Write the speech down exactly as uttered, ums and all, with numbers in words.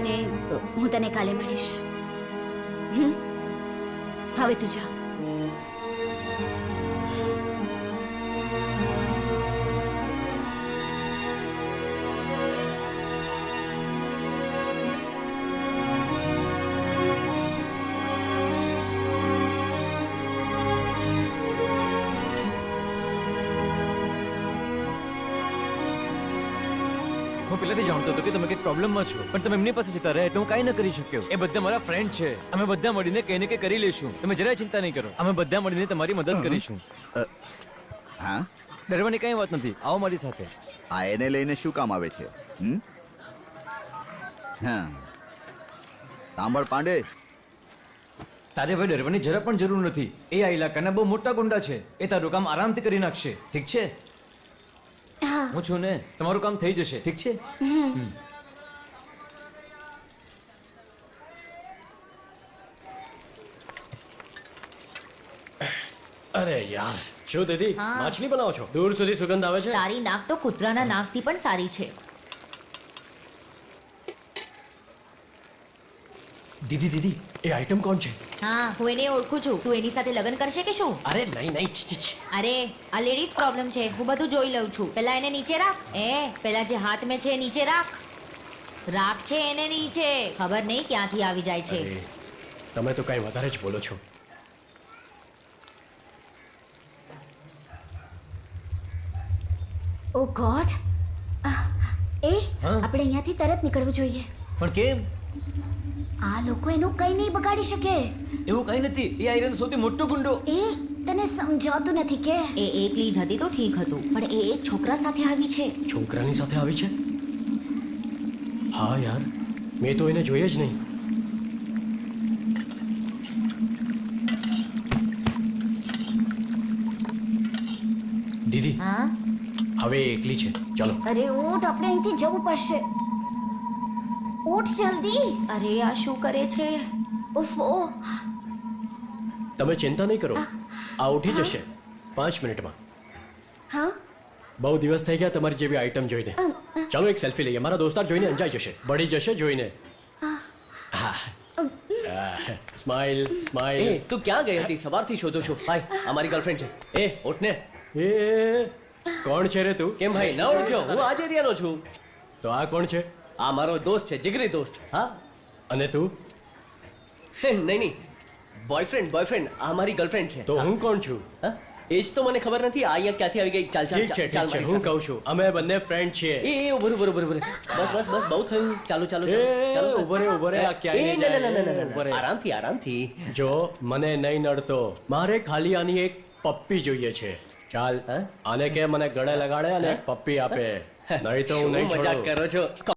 અને હું તને કાલે મળીશ. હમ? હવે તું જા. હું પહેલાથી જાણતો હતો કે તમે કંઈક પ્રોબ્લેમમાં છો, પણ તમે એમની પાસે જતા રહ્યા એટલે હું કાંઈ ન કરી શક્યો. એ બધા મારા ફ્રેન્ડ છે, અમે બધા મળીને કંઈ ને કંઈ કરી લઈશું. તમે જરાય ચિંતા નહીં કરો, અમે બધા મળીને તમારી મદદ કરીશું. હા, ડરવાની કંઈ વાત નથી, આવો મારી સાથે. આ એને લઈને શું કામ આવે છે? હમ? હા, સાંભળ પાંડે, તારે ભાઈ ડરવાની જરા પણ જરૂર નથી. એ આ ઇલાકાના બહુ મોટા ગુંડા છે, એ તારું કામ આરામથી કરી નાખશે. ઠીક છે? હું છું ને, તમારું કામ થઈ જશે. ઠીક છે? અરે યાર, શું દીદી માછલી બનાવો છો? દૂર સુધી સુગંધ આવે છે. તારી નાક તો કૂતરાના નાકથી પણ સારી છે. દીદી દીદી એ આઈટમ કોણ છે? હા, હું એને ઓળખું છું. તું એની સાથે લગ્ન કરશે કે શું? અરે નહીં નહીં છી, છી, છી. અરે આ લેડીઝ પ્રોબ્લેમ છે, હું બધું જોઈ લઉં છું. પેલા એને નીચે રાખ. એ પેલા જે હાથ મેં છે એ નીચે રાખ. રાખ છે એને નીચે. ખબર નહીં ક્યાંથી આવી જાય છે. અરે, તમે તો કઈ વધારે જ બોલો છો. ઓ ગોડ, એ હા? આપણે અહીંયાથી તરત નીકળવું જોઈએ. પણ કેમ? આ લોકો એનું કંઈ નહીં બગાડી શકે. એવું કંઈ નથી. એ આયરન સૌથી મોટો ગુંડો. એ તને સમજાતું નથી કે એ એકલી જ હતી તો ઠીક હતું, પણ એ એક છોકરા સાથે આવી છે. છોકરાની સાથે આવી છે? હા યાર, મેં તો એને જોઈએ જ નહીં. દીદી હા, હવે એ એકલી છે. ચાલો. અરે ઊઠ, આપણે અહીંથી જવું પડશે. ઊઠ જલ્દી. અરે આ શું કરે છે? ઉફો, તમે ચિંતા નહીં કરો, આ ઉઠી જશે પાંચ મિનિટમાં. હા, બહુ દિવસ થઈ ગયા તમારી જેવી આઈટમ જોઈને. ચાલો એક સેલ્ફી લઈએ. મારા દોસ્તાર જોઈને અંજાઈ જશે, બળી જશે જોઈને. Smile smile. એ તું ક્યાં ગઈ હતી? સવારથી શોધું છું. હાય, અમારી ગર્લફ્રેન્ડ છે. એ ઉઠને. એ કોણ છે રે તું? કેમ ભાઈ ન ઓળખ્યો? હું આ જ એરિયાનો છું. તો આ કોણ છે? આ મારો દોસ્ત છે, જીગરી દોસ્ત. હા. અને તું? નહીં નહીં, બોયફ્રેન્ડ બોયફ્રેન્ડ. આ મારી ગર્લફ્રેન્ડ છે. તો હું કોણ છું? હા? એ જ તો મને ખબર નથી. આ અહીંયા ક્યાંથી આવી ગઈ? ચાલ ચાલ ઠીક છે ચાલ ઠીક છે, મારી હું સાથે. કહું છું અમે બંને ફ્રેન્ડ છીએ. એ એ ઉભો રહો, ઉભો રહો, ઉભો રહો. બસ બસ બસ, બહુ થયું. ચાલો ચાલો એ, ચાલો. ઉભો રહે, ઉભો રહે. આ ક્યાંય એ નહીં ના ના ના જાય. ના, ઉભો રહે. ના આરામથી આરામથી. જો મને નહીં નડતો, મારે ખાલી આની એક પપ્પી જોઈએ છે. ચાલ હા? આને કે મને ગળે લગાડે અને એક પપ્પી આપે, નહીં તો હું શું નહીં મજાક છોડું. કરો છો?